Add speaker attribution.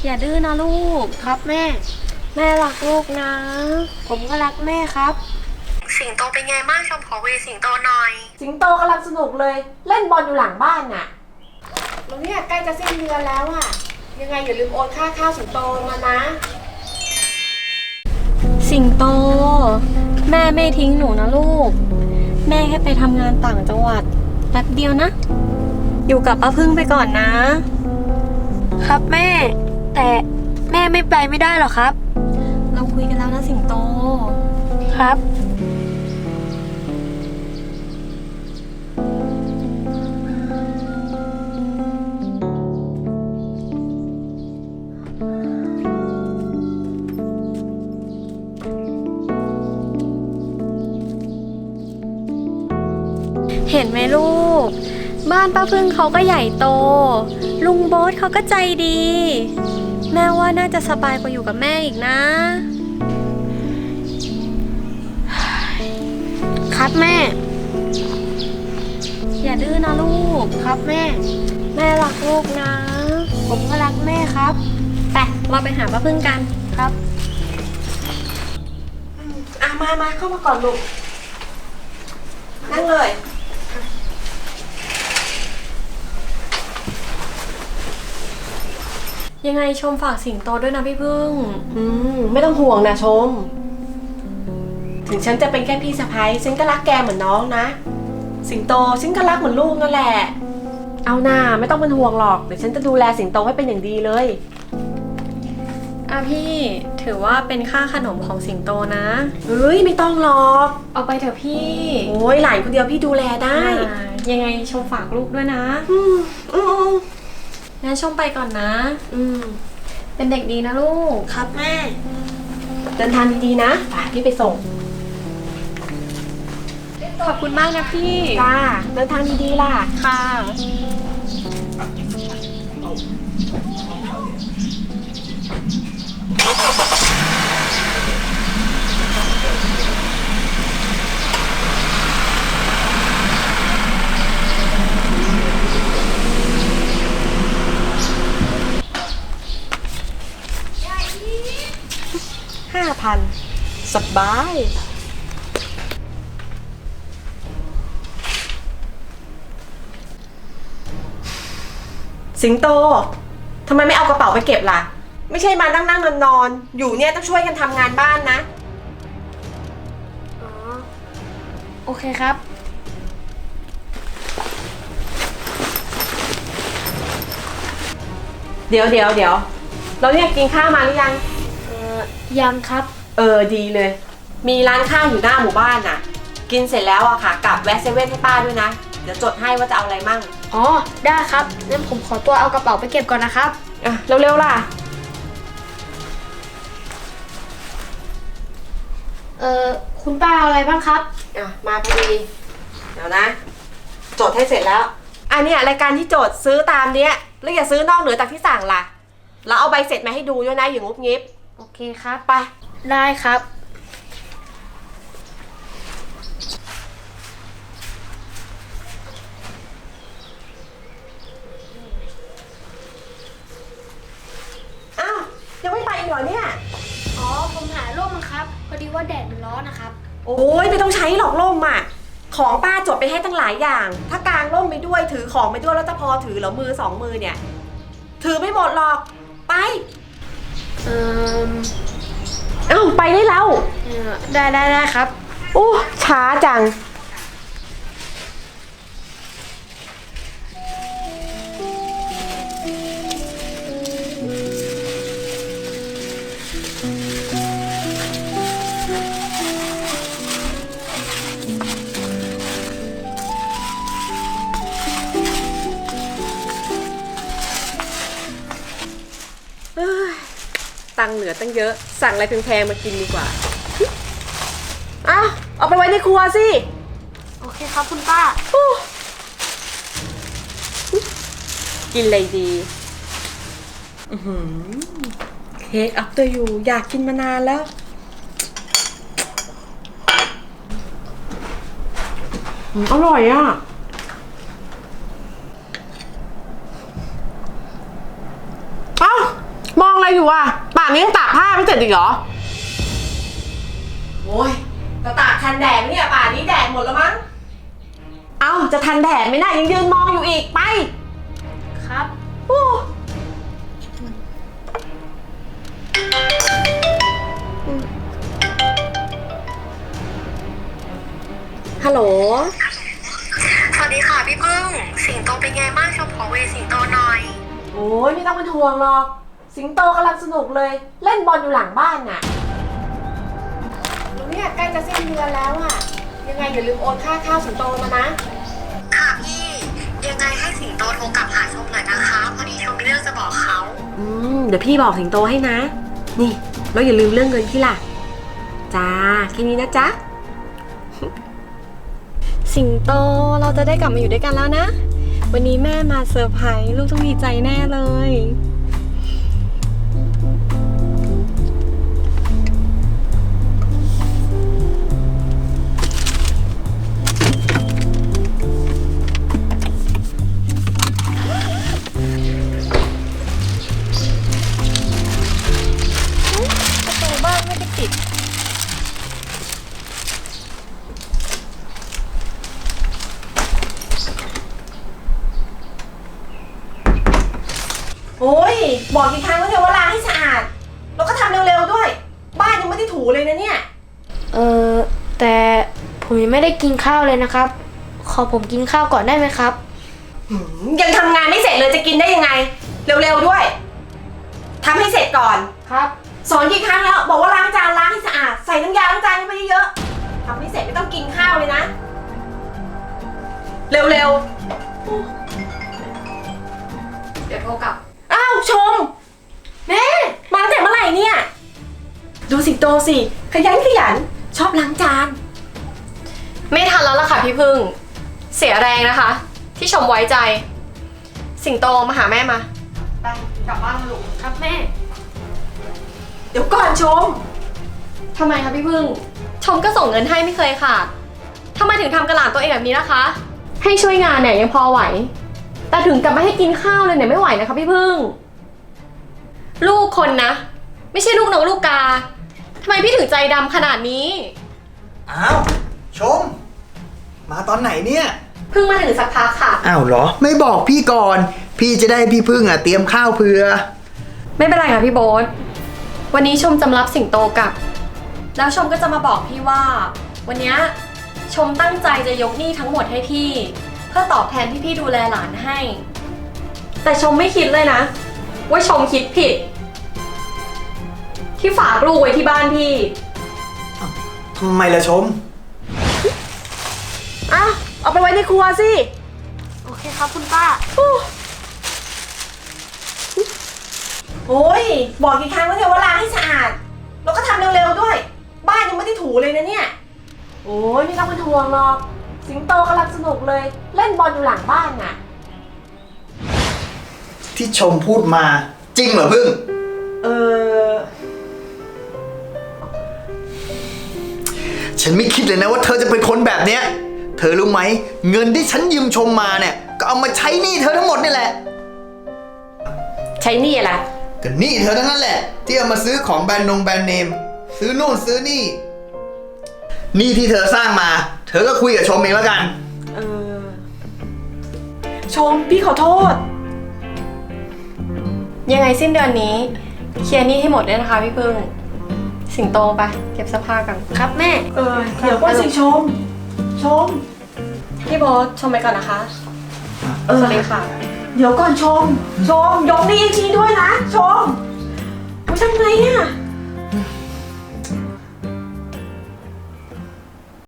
Speaker 1: อย่าดื้อนะลูก
Speaker 2: ครับแม่
Speaker 1: แม่รักลูกนะ
Speaker 2: ผมก็รักแม่ครับ
Speaker 3: สิงโตเป็นไงบ้างชมขอเวสิงโตหน่อย
Speaker 2: สิงโตกำลังสนุกเลยเล่นบอลอยู่หลังบ้านน่ะแล้วเนี่ยใกล้จะสิ้นเดือนแล้วอ่ะยังไงอย่าลืมโอนค่าข้าวสิงโตมานะ
Speaker 1: สิงโตแม่ไม่ทิ้งหนูนะลูกแม่แค่ไปทำงานต่างจังหวัดแป๊บเดียวนะอยู่กับป้าพึ่งไปก่อนนะครับ
Speaker 2: แม่แต่แม่ไม่ไปไม่ได้หรอครับ
Speaker 1: เราคุยกันแล้วนะสิงโต
Speaker 2: ครับ
Speaker 1: เห็นไหมลูกบ้านป้าพึ่งเขาก็ใหญ่โตลุงโบ๊ทเขาก็ใจดีแม่ว่าน่าจะสบายกว่าอยู่กับแม่อีกนะครับ
Speaker 2: แม่
Speaker 1: อย่าดื้อนะลูก
Speaker 2: ครับแม่
Speaker 1: รักลูกนะ
Speaker 2: ผมก็รักแม่ครับ
Speaker 1: ไปเราไปหาป้าพึ่งกัน
Speaker 2: ครับมาเข้ามาก่อนลูกนั่งเลย
Speaker 1: ยังไงชมฝากสิงโตด้วยนะพี่พึ่ง
Speaker 2: ไม่ต้องห่วงนะชมถึงฉันจะเป็นแค่พี่สะใภ้ฉันก็รักแกเหมือนน้องนะสิงโตฉันก็รักเหมือนลูกนั่นแหละเอาหน้าไม่ต้องเป็นห่วงหรอกเดี๋ยวฉันจะดูแลสิงโตให้เป็นอย่างดีเลย
Speaker 1: พี่ถือว่าเป็นค่าขนมของสิงโตนะ
Speaker 2: เฮ้ยไม่ต้องหรอก
Speaker 1: เอาไปเถอะพี่
Speaker 2: โอ้ยหลานคนเดียวพี่ดูแลได้
Speaker 1: ยังไงชมฝากลูกด้วยนะงั้นชมไปก่อนนะเป็นเด็กดีนะลูก
Speaker 2: ครับแม่เดินทางดีๆนะพี่ไปส่ง
Speaker 1: ขอบคุณมากนะพี่
Speaker 2: จ้าเดินทางดีๆล่ะ
Speaker 1: ค่ะ
Speaker 2: 5,000สบายสิงโตทำไมไม่เอากระเป๋าไปเก็บล่ะไม่ใช่มานั่งนอนอยู่เนี่ยต้องช่วยกันทำงานบ้านนะ
Speaker 1: โอเคครับ
Speaker 2: เดี๋ยวเราเนี่ยกินข้าวมาหรือยัง
Speaker 1: ยังครับ
Speaker 2: ดีเลยมีร้านข้าวอยู่หน้าหมู่บ้านน่ะกินเสร็จแล้วอะค่ะกลับแวะเซเว่นให้ป้าด้วยนะเดี๋ยวจดให้ว่าจะเอาอะไรมั่ง
Speaker 1: อ๋อได้ครับงั้นผมขอตัวเอากระเป๋าไปเก็บก่อนนะครับ
Speaker 2: เร็วๆล่ะ
Speaker 1: คุณป้าเอาอะไรบ้างครับ
Speaker 2: มาพอดีเดี๋ยวนะจดให้เสร็จแล้วอันนี้รายการที่โจทย์ซื้อตามเนี้ยแล้วอย่าซื้อนอกเหนือจากที่สั่งล่ะแล้วเอาใบเสร็จมาให้ดูด้วยนะอย่างงุบงิบ
Speaker 1: โอเคครับ
Speaker 2: ไป
Speaker 1: ได้ครับ
Speaker 2: ยังไม่ไปอีกเหรอเนี่ย
Speaker 1: อ๋อผมหาร่มครับพอดีว่าแดดมันร้อนนะครับ
Speaker 2: โอ้ยไม่ต้องใช้หรอกร่มอ่ะของป้าจดไปให้ตั้งหลายอย่างถ้ากางร่มไปด้วยถือของไปด้วยแล้วจะพอถือเหรอมือสองมือเนี่ยถือไม่หมดหรอกไปไปได้แล้ว
Speaker 1: ได้ครับ
Speaker 2: โอ้ช้าจังตังค์เหลือตั้งเยอะสั่งอะไรแพงๆมากินดีกว่าเอาไปไว้ในครัวสิ
Speaker 1: โอเคครับคุณป้า
Speaker 2: กินอะไรดีเค้กอัพเตอร์ยูอยากกินมานานแล้วอร่อยอ่ะ มองอยู่อ่ะป่านนี้ยังตากผ้าไม่เสร็จอีกเหรอ โอ้ยจะตากทันแดดไหมเนี่ยป่านนี้แดดหมดแล้วมั้ง เอ้าจะทันแดดไหมน่ะยังยืนมองอยู่อีกไป
Speaker 1: ครับ
Speaker 2: โอ้ฮัลโหล
Speaker 3: สวัสดีค่ะพี่พึ่ง สิงโตเป็นไงบ้างชมขอเวสิงโตหน่อย
Speaker 2: โอ้ยไม่ต้องเป็นห่วงหรอก สิงโตกำลังสนุกเลย เล่นบอลอยู่หลังบ้านน่ะเนี่ยใกล้จะสิ้นเดือนแล้วอ่ะ ยังไงอย่าลืมโอนค่าข้าวสิงโตมานะ
Speaker 3: ค่ะพี่ ยังไงให้สิงโตโทรกลับหาชมหน่อยนะคะ พอดีชมมีเรื่องจะบอกเขา
Speaker 2: เดี๋ยวพี่บอกสิงโตให้นะ นี่แล้วอย่าลืมเรื่องเงินพี่ล่ะ จ้าแค่นี้นะจ๊ะ
Speaker 1: สิงโตเราจะได้กลับมาอยู่ด้วยกันแล้วนะ วันนี้แม่มาเซอร์ไพรส์ลูกต้องดีใจแน่เลย ประตูบ้านไม่ได้ปิด
Speaker 2: โอ้ยบอกกี่ครั้งแล้วเนี่ยว่าล้างให้สะอาด แล้วก็ทำเร็วๆด้วย บ้านยังไม่ได้ถูเลยนะเนี่ย
Speaker 4: แต่ผมยังไม่ได้กินข้าวเลยนะครับ ขอผมกินข้าวก่อนได้ไหมครับ
Speaker 2: ยังทำงานไม่เสร็จเลยจะกินได้ยังไง เร็วๆด้วยทำให้เสร็จก่อน
Speaker 4: ครับ
Speaker 2: สอนกี่ครั้งแล้วบอกว่าล้างจานล้างให้สะอาดใส่น้ำยาล้างจานให้ไปเยอะๆทำไม่เสร็จไม่ต้องกินข้าวเลยนะ เร็วๆ
Speaker 1: เดี๋ยวโทรกลับ
Speaker 2: อ้าวชมแม่มาตั้งแต่เมื่อไหร่เนี่ย ดูสิงโตสิขยันชอบล้างจาน
Speaker 1: ไม่ทันแล้วล่ะค่ะพี่พึ่ง เสียแรงนะคะ ที่ชมไว้ใจ สิงโตมาหาแม่มา ไปกลับบ้านลูก
Speaker 4: ครับแม่
Speaker 2: เดี๋ยวก่อนชม
Speaker 1: ทำไมคะพี่พึ่ง ชมก็ส่งเงินให้ไม่เคยขาดทำไมถึงทำกระหล่ำตัวเองแบบนี้นะคะ ให้ช่วยงานเนี่ยยังพอไหว แต่ถึงกับไม่ให้กินข้าวเลยเนี่ยไม่ไหวนะคะพี่พึ่ง ลูกคนนะ ไม่ใช่ลูกนกลูกกาทำไมพี่ถึงใจดำขนาดนี้
Speaker 5: อ้าวชม มาตอนไหนเนี่ย
Speaker 1: เพิ่งมาถึงสักพักค่ะ
Speaker 5: อ้าวเหรอ ไม่บอกพี่ก่อน พี่จะได้พี่พึ่งเตรียมข้าวเผื่อ
Speaker 1: ไม่เป็นไรค่ะพี่โบ๊ทวันนี้ชมจำรับสิงโตกลับ แล้วชมก็จะมาบอกพี่ว่า วันเนี้ยชมตั้งใจจะยกหนี้ทั้งหมดให้พี่ เพื่อตอบแทนที่พี่ดูแลหลานให้ แต่ชมไม่คิดเลยนะ ว่าชมคิดผิด ที่ฝากลูกไว้ที่บ้านพี่
Speaker 5: ทำไมล่ะชม
Speaker 2: อ่ะเอาไปไว้ในครัวสิ
Speaker 4: โอเคครับคุณป้า
Speaker 2: โอ้ยบอกกี่ครั้งแล้วเนี่ยว่าล้างให้สะอาด แล้วก็ทำเร็วๆด้วย บ้านยังไม่ได้ถูเลยนะเนี่ย โอ้ยไม่ต้องเป็นห่วงหรอก สิงโตกำลังสนุกเลย เล่นบอลอยู่หลังบ้านน่ะ
Speaker 5: ที่ชมพูดมา จริงเหรอพึ่ง
Speaker 2: เออ
Speaker 5: ฉันไม่คิดเลยนะว่าเธอจะเป็นคนแบบเนี้ย เธอรู้ไหม เงินที่ฉันยืมชมมาเนี่ย ก็เอามาใช้หนี้เธอทั้งหมดนี่แหละ
Speaker 2: ใช้หนี่อะไร
Speaker 5: ก็หนี้เธอทั้งนั้นแหละ ที่เอามาซื้อของแบรนด์เนม ซื้อนู่นซื้อนี่หนี้ที่เธอสร้างมา เธอก็คุยกับชมเองแล้วกัน
Speaker 2: เออ ชมพี่ขอโทษ
Speaker 1: ยังไงสิ้นเดือนนี้เคลียร์หนี้ให้หมดด้วยนะคะพี่พึ่ง สิงโตไปเก็บเสื้อผ้ากัน
Speaker 4: ครับแม่
Speaker 2: เออ เดี๋ยวก่อนสิชม ชม
Speaker 1: พี่โบ๊ทชมไปก่อนนะคะ
Speaker 2: เออ
Speaker 1: สวัสดีค่ะ
Speaker 2: เดี๋ยวก่อนชม ชม ยกหนี้อีกทีด้วยนะ ชม